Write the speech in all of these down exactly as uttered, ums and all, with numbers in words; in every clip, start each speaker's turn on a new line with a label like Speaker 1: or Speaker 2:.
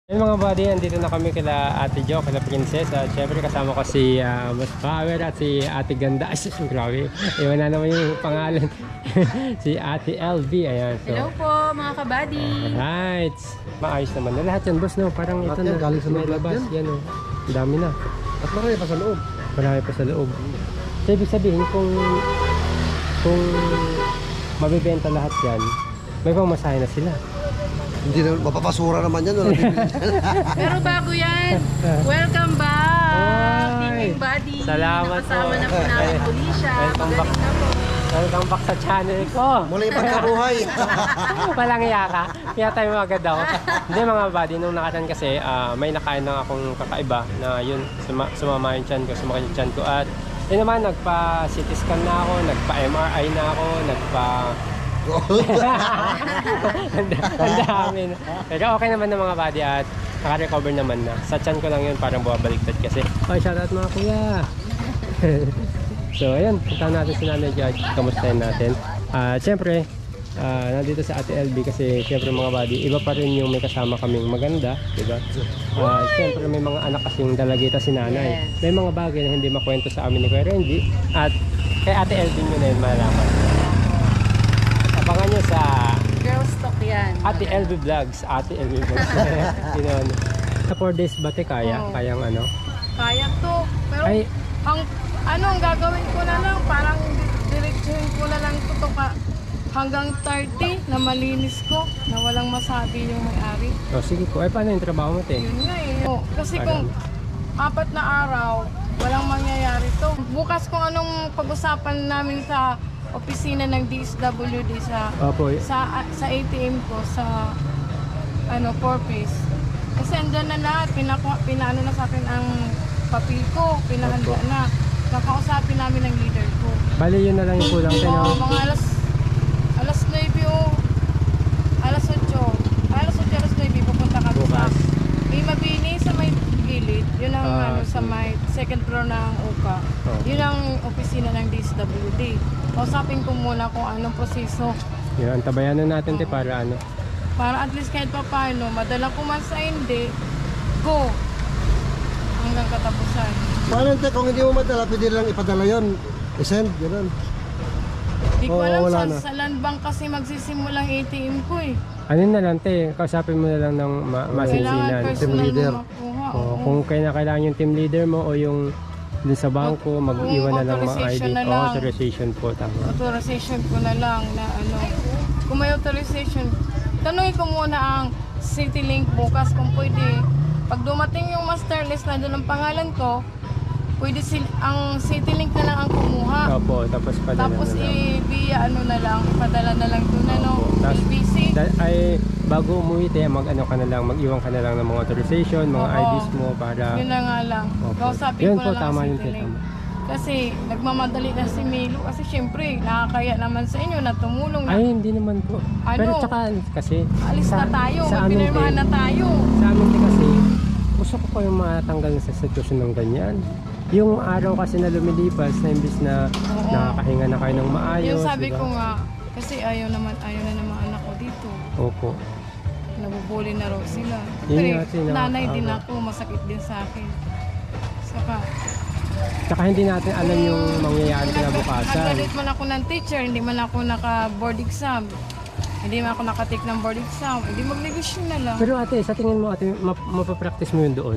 Speaker 1: Hey mga buddy, andito na kami kila Ate Jo, kila Princess. At syempre kasama ko si uh, Boss Power at si Ate Ganda. Ay, sus, grabe. Iwan na naman yung pangalan. Si Ate L V. Ayan. So,
Speaker 2: hello po mga kabady.
Speaker 1: alright. Maayos naman na lahat yan, boss, no? Parang ito
Speaker 3: Lahat
Speaker 1: na.
Speaker 3: yan, galing sa
Speaker 1: may
Speaker 3: loob
Speaker 1: labas.
Speaker 3: yan.
Speaker 1: Yan, oh. Ang dami na.
Speaker 3: At marami pa sa loob.
Speaker 1: Marami pa sa loob. So, ibig sabihin, kung kung mabibenta lahat yan, may pamasahe na sila.
Speaker 3: Hindi na, mapapasura naman yan. Wala bibili yan.
Speaker 2: Pero bago yan, welcome back!
Speaker 1: Ay,
Speaker 2: Teaming Buddy!
Speaker 1: salamat
Speaker 2: Nakasama
Speaker 1: po.
Speaker 2: na po namin po siya.
Speaker 1: Welcome back.
Speaker 2: Magaling na po.
Speaker 1: Welcome back sa channel ko.
Speaker 3: Mula yung pagkabuhay.
Speaker 1: Walang iya ka. Kaya tayo agad ako. Hindi mga buddy, nung nakaraan kasi uh, may nakain na akong kakaiba na yun, suma sumama yung chan ko, sumama yung chan ko. At yun naman, nagpa-C T scan na ako, nagpa-M R I na ako, nagpa... Ang dami na. Pero okay naman ng mga buddy at naka-recover naman na. Sa chan ko lang yun, parang bumabaliktad kasi. Oh, shoutout mga kuya! So ayun, puntahan natin si Nanay Judge, kamustahin natin. Uh, siyempre, uh, nandito sa Ate L B kasi siyempre mga buddy, iba pa rin yung may kasama kaming maganda, diba? Uh, siyempre may mga anak kasing dalagita si Nanay.
Speaker 2: Yes.
Speaker 1: May mga bagay na hindi makwento sa amin ni Kuya Renji at kay Ate L B nyo na yun malaman. Abangan nyo sa
Speaker 2: Girls talk yan.
Speaker 1: Ate L B Vlogs, Ate L B Vlogs. Yun. Sa four days ba te kaya?
Speaker 2: Oo.
Speaker 1: Kayang ano?
Speaker 2: Kaya to. Pero
Speaker 1: Ay,
Speaker 2: ang ano ang gagawin ko na lang, parang diretsuhin ko na lang ito pa hanggang thirty na malinis ko, na walang masabi yung may-ari.
Speaker 1: oh, sige po. Ay, paano yung trabaho mo te?
Speaker 2: Yun nga eh. Oh, kasi kung apat na araw, walang mangyayari to. Bukas kung anong pag-usapan namin sa opisina ng D S W D sa
Speaker 1: Opo.
Speaker 2: sa sa A T M ko sa ano four piece. Kasi andyan na lahat, pinaku, pinaano na sa akin ang papel ko, pinahanda
Speaker 1: Opo.
Speaker 2: na. Kakausapin namin ng leader ko.
Speaker 1: Bali yun na lang yung kulang tayo.
Speaker 2: Oo, mga alas alas nine o alas otso. Alas otso, alas nine pupunta kami sa
Speaker 1: Bukas.
Speaker 2: may mabini sa may gilid. Yun ang
Speaker 1: Ah,
Speaker 2: ano sa
Speaker 1: sige.
Speaker 2: may second floor ng U C A.
Speaker 1: Oh.
Speaker 2: Yun ang opisina ng D S W D. Kausapin ko muna kung anong proseso
Speaker 1: Yun, antabayan na natin te para ano.
Speaker 2: para at least kahit pa paano, madala ko man sa hindi, go hanggang katapusan.
Speaker 3: Paano te, kung hindi mo madala, pwede lang ipadala yun. I-send, gano'n.
Speaker 2: Di ko
Speaker 3: Oo,
Speaker 2: alam
Speaker 3: wala
Speaker 2: sa,
Speaker 3: na.
Speaker 2: sa land bank kasi magsisimulang A T M ko eh.
Speaker 1: Ano na lang te, kausapin mo na lang ng ma
Speaker 2: Kailangan
Speaker 1: masinsinan.
Speaker 2: personal
Speaker 3: leader.
Speaker 2: mo makuha.
Speaker 1: Oh,
Speaker 2: oo.
Speaker 1: kung kailangan, kailangan yung team leader mo o yung dun sa bangko, mag-iwan na lang mga I D.
Speaker 2: authorization na
Speaker 1: Oh,
Speaker 2: lang.
Speaker 1: authorization po, tama.
Speaker 2: Authorization ko na lang na ano. Kung may authorization, tanungin ko muna ang CityLink bukas kung pwede. Pag dumating yung master list na doon ang pangalan ko, pwede sil ang CityLink na lang ang kumuha.
Speaker 1: Opo, tapos padala
Speaker 2: Tapos
Speaker 1: na lang.
Speaker 2: i-via ano na lang, ipadala na lang doon ano,
Speaker 1: Opo. Tas-
Speaker 2: L B C.
Speaker 1: Da- ay, bago umuwi te, mag-ano ka na lang, mag-iwan ka na lang ng mga authorization, mga
Speaker 2: Oo.
Speaker 1: I Ds mo para...
Speaker 2: Yun na nga lang.
Speaker 1: Opo.
Speaker 2: Kausapin
Speaker 1: Yun
Speaker 2: ko
Speaker 1: po,
Speaker 2: na lang
Speaker 1: tama
Speaker 2: ang
Speaker 1: yun, te,
Speaker 2: CityLink.
Speaker 1: tama.
Speaker 2: Kasi nagmamadali na si Milo kasi syempre nakakaya naman sa inyo na tumulong na.
Speaker 1: Ay, hindi naman po.
Speaker 2: Ano?
Speaker 1: Pero tsaka kasi...
Speaker 2: Alis
Speaker 1: sa-
Speaker 2: na tayo,
Speaker 1: sa
Speaker 2: may
Speaker 1: amin,
Speaker 2: pinirmahan
Speaker 1: te,
Speaker 2: na tayo.
Speaker 1: Sa amin din kasi, gusto ko kayong matanggal sa sitwasyon ng ganyan. Yung araw kasi na lumilipas na imbis na
Speaker 2: Oo.
Speaker 1: nakakahinga na kayo ng maayos.
Speaker 2: Yung sabi
Speaker 1: diba?
Speaker 2: ko nga, kasi ayaw naman, ayaw na ng mga anak ko dito.
Speaker 1: Opo.
Speaker 2: Nabubuli na raw sila.
Speaker 1: Yun
Speaker 2: Pero
Speaker 1: nga, Tina,
Speaker 2: nanay din
Speaker 1: tama.
Speaker 2: ako, masakit din sa akin. Saka,
Speaker 1: Tsaka hindi natin alam yung mangyayari
Speaker 2: kung
Speaker 1: kinabukasan.
Speaker 2: nag-graduate man ako ng teacher, hindi man ako naka-board exam. Hindi man ako nakatik ng board exam. Hindi mag-negosyo na lang.
Speaker 1: Pero ate, sa tingin mo ate, map mapapractice mo yun doon?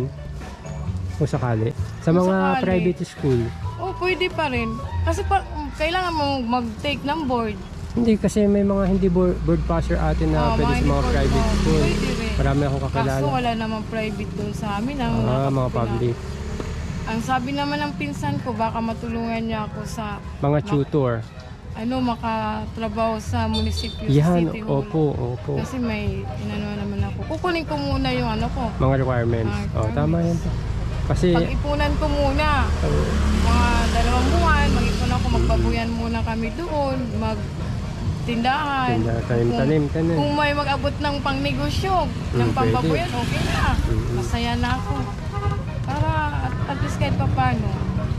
Speaker 1: Kung sakali? Sa
Speaker 2: Kung
Speaker 1: mga
Speaker 2: sakali.
Speaker 1: private school?
Speaker 2: Oh, pwede pa rin. Kasi pa, kailangan mo mag-take ng board.
Speaker 1: Hindi, kasi may mga hindi board, board passer ate na
Speaker 2: Oh,
Speaker 1: pwede sa
Speaker 2: hindi
Speaker 1: mga
Speaker 2: board,
Speaker 1: private
Speaker 2: oh,
Speaker 1: school.
Speaker 2: pwede rin.
Speaker 1: Marami akong kakilala.
Speaker 2: Kaso wala namang private doon sa amin. Ang
Speaker 1: Ah, mga
Speaker 2: nakapila-
Speaker 1: public.
Speaker 2: Ang sabi naman ng pinsan ko, baka matulungan niya ako sa
Speaker 1: Mga tutor.
Speaker 2: ano, makatrabaho sa munisipyo, sa
Speaker 1: Yan,
Speaker 2: city hall.
Speaker 1: opo, opo.
Speaker 2: Kasi may inano naman ako. Kukunin ko muna yung ano ko.
Speaker 1: Mga requirements.
Speaker 2: Mga
Speaker 1: Oh, tama yan. Kasi,
Speaker 2: Pag-ipunan ko muna, mga dalawang buwan, mag-ipon ako, magbabuyan muna kami doon, magtindahan.
Speaker 1: Tinda- tanim-tanim,
Speaker 2: Kung,
Speaker 1: tanim.
Speaker 2: kung may mag-abot ng pangnegosyo, ng
Speaker 1: Mm,
Speaker 2: pambabuyan, okay na.
Speaker 1: Mm.
Speaker 2: Masaya na ako. Para at, at least kahit pa paano,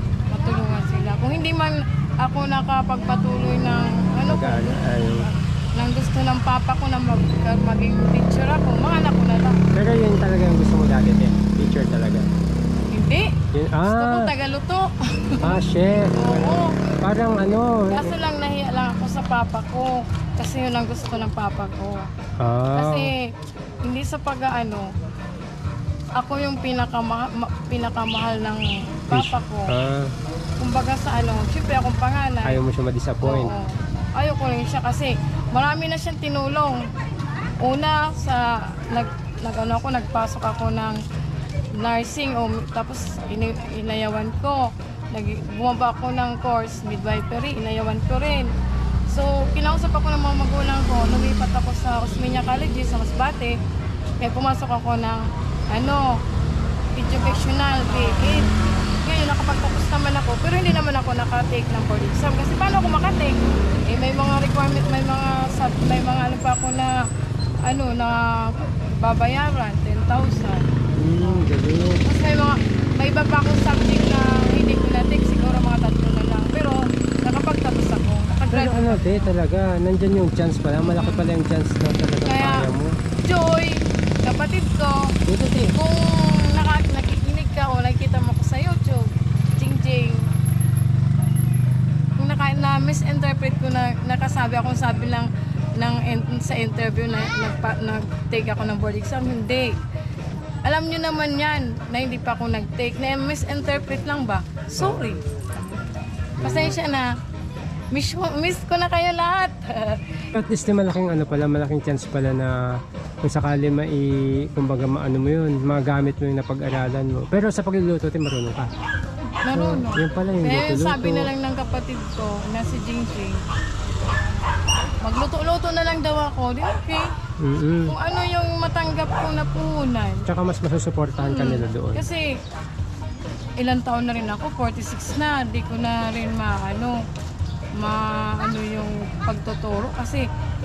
Speaker 2: matulungan sila. Kung hindi man ako nakapagpatuloy ng ano ko,
Speaker 1: Mag-ano, ay,
Speaker 2: nang gusto ng papa ko na mag, maging teacher ako, mga anak ko na lang.
Speaker 1: Pero yun talaga yung gusto mo dati, te. Teacher talaga.
Speaker 2: Hindi.
Speaker 1: Yun,
Speaker 2: Gusto ko
Speaker 1: ah,
Speaker 2: tagaluto.
Speaker 1: ah, chef.
Speaker 2: Oo.
Speaker 1: Parang ano.
Speaker 2: Kaso lang nahiya lang ako sa papa ko. Kasi yun ang gusto ng papa ko.
Speaker 1: Ah,
Speaker 2: Kasi hindi sa pag-ano, ako yung pinakama, ma- pinakamahal ng papa ko.
Speaker 1: ah,
Speaker 2: Kumbaga sa ano, syempre akong panganay.
Speaker 1: ayaw mo siya ma-disappoint.
Speaker 2: Oo. Ayaw ko rin siya kasi marami na siyang tinulong. Una sa nag nag ano ako nagpasok ako ng nursing o tapos ini, inayawan ko. Nag bumaba ako ng course midwifery, inayawan ko rin. So kinausap ako ng mga magulang ko, lumipat ako sa Osmeña College sa Masbate. Kaya pumasok ako ng ano educational B E D. Ngayon, nakapagtapos naman ako, pero hindi naman ako nakatake ng board exam. Kasi paano ako makatake? Eh, may mga requirement, may mga, sub- may mga ano pa ako na, ano, na babayaran, ten thousand.
Speaker 1: Hmm, galing.
Speaker 2: Tapos may mga, may iba pa akong subject na hindi ko na-take, siguro mga tatlo na lang. Pero, nakapagtapos ako,
Speaker 1: Pero
Speaker 2: nakagraduate.
Speaker 1: ano, te, talaga, nandyan yung chance pala. Malaki pala yung chance na talaga
Speaker 2: Kaya,
Speaker 1: kaya mo.
Speaker 2: Joy, kapatid ko,
Speaker 1: Dito, te.
Speaker 2: kung naka, nakikinig ka o nakikita mo ko sa YouTube, Jingjing, kung naka, na misinterpret ko na nakasabi akong sabi lang ng, in- sa interview na nagpa, nag-take ako ng board exam, hindi. Alam nyo naman yan na hindi pa ako nag-take, na misinterpret lang ba? Sorry. Pasensya na. Miss, miss ko na kayo lahat.
Speaker 1: At least eh, malaking ano pala, malaking chance pala na kung sakali mai, kumbaga maano mo yun, magamit mo yung napag-aralan mo. Pero sa pagluluto, te, marunong ka.
Speaker 2: Marunong.
Speaker 1: Yun pala yung
Speaker 2: Kaya yung
Speaker 1: luto-luto.
Speaker 2: sabi na lang ng kapatid ko na si Jingjing, magluto-luto na lang daw ako. Di okay.
Speaker 1: Mm-mm.
Speaker 2: Kung ano yung matanggap ko na puhunan.
Speaker 1: Tsaka mas masusuportahan ka nila doon.
Speaker 2: Kasi ilang taon na rin ako, forty-six na. Di ko na rin maano, maano yung pagtuturo. Kasi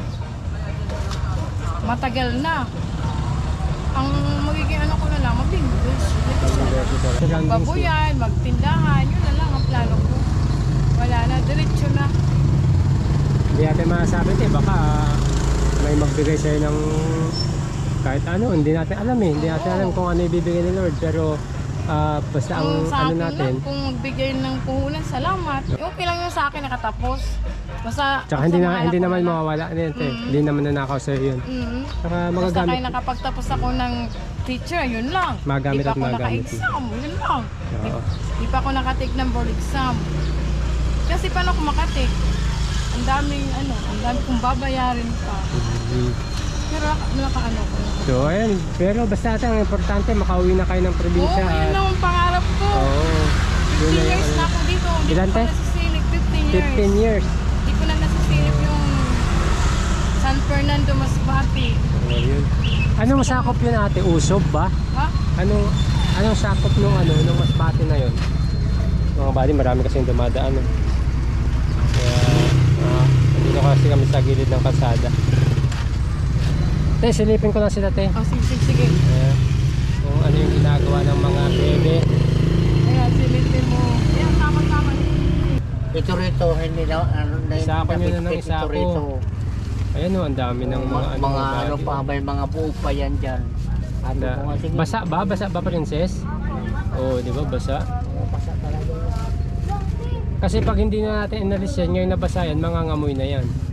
Speaker 2: matagal na. Ang magiging ano ko na lang, mag-English.
Speaker 1: Surroundings mo.
Speaker 2: Babuyan, magtindahan, yun na lang ang plano ko. Wala na, diretso na.
Speaker 1: Hindi natin masasabi, eh, baka may magbigay sa'yo ng kahit ano, hindi natin alam eh. Hindi natin alam kung ano ibibigay ni Lord. Pero ah, basta ang
Speaker 2: Kung sa
Speaker 1: ano
Speaker 2: akin
Speaker 1: natin,
Speaker 2: lang, kung magbigay ng puhunan, salamat. Okay lang yun sa akin, nakatapos. Basta,
Speaker 1: tsaka hindi,
Speaker 2: sa
Speaker 1: na,
Speaker 2: mga
Speaker 1: hindi
Speaker 2: anak ko
Speaker 1: naman
Speaker 2: na lang.
Speaker 1: mawawala nito eh.
Speaker 2: Mm.
Speaker 1: Hindi naman nanakaw sa'yo yun.
Speaker 2: Mm.
Speaker 1: Saka
Speaker 2: Basta
Speaker 1: magagamit.
Speaker 2: kaya nakapagtapos ako ng teacher, yun lang.
Speaker 1: Magamit
Speaker 2: Di pa
Speaker 1: at
Speaker 2: ako
Speaker 1: magamit.
Speaker 2: naka-exam, yun lang. Di,
Speaker 1: Oo.
Speaker 2: di pa ako nakatake ng board exam. Kasi paano ako makatake? Ang daming ano, ang dami kong babayarin pa.
Speaker 1: Mhm.
Speaker 2: Pero naka, nakaano ko na.
Speaker 1: So ayun, pero basta ate, ang importante makauwi na kayo ng
Speaker 2: Oo,
Speaker 1: probinsya.
Speaker 2: yun
Speaker 1: at-
Speaker 2: lang ang pangarap ko.
Speaker 1: Oo. Yun
Speaker 2: fifteen
Speaker 1: na yung
Speaker 2: years
Speaker 1: ano.
Speaker 2: na ako dito. Hindi
Speaker 1: Ilan,
Speaker 2: ko
Speaker 1: te?
Speaker 2: pa nasisilip. fifteen years.
Speaker 1: fifteen years.
Speaker 2: Hindi ko na nasisilip yung San Fernando Masbate.
Speaker 1: Oh, yun. Anong sakop yun ate? Usob ba?
Speaker 2: Ha?
Speaker 1: Anong anong sakop nung ano, nung Masbate na yun? Mga bali, marami kasi yung dumadaan. Eh. Kaya, ah, nandito kasi kami sa gilid ng kalsada. Te, silipin ko lang sila, te.
Speaker 2: Oh, sige, sige, sige.
Speaker 1: Ayan. Kung ano yung ginagawa ng mga bebe.
Speaker 2: Ayan, silipin mo. Ayan, tama-tama.
Speaker 4: Ito rito, hindi na, ano, na,
Speaker 1: Isako nyo na ng
Speaker 4: nabitbit
Speaker 1: isako.
Speaker 4: ito rito.
Speaker 1: Ayan o, ang dami ng mga,
Speaker 4: mga,
Speaker 1: ano,
Speaker 4: mga
Speaker 1: bagay.
Speaker 4: ano pa, may mga buo pa yan dyan. Ano
Speaker 1: Na,
Speaker 4: ko nga, sige.
Speaker 1: basa ba? Basa ba, princess? Oo, di ba? Basa.
Speaker 4: Oo, basa talaga.
Speaker 1: Kasi pag hindi na natin inalis yan, ngayon nabasa yan, mangangamoy na yan.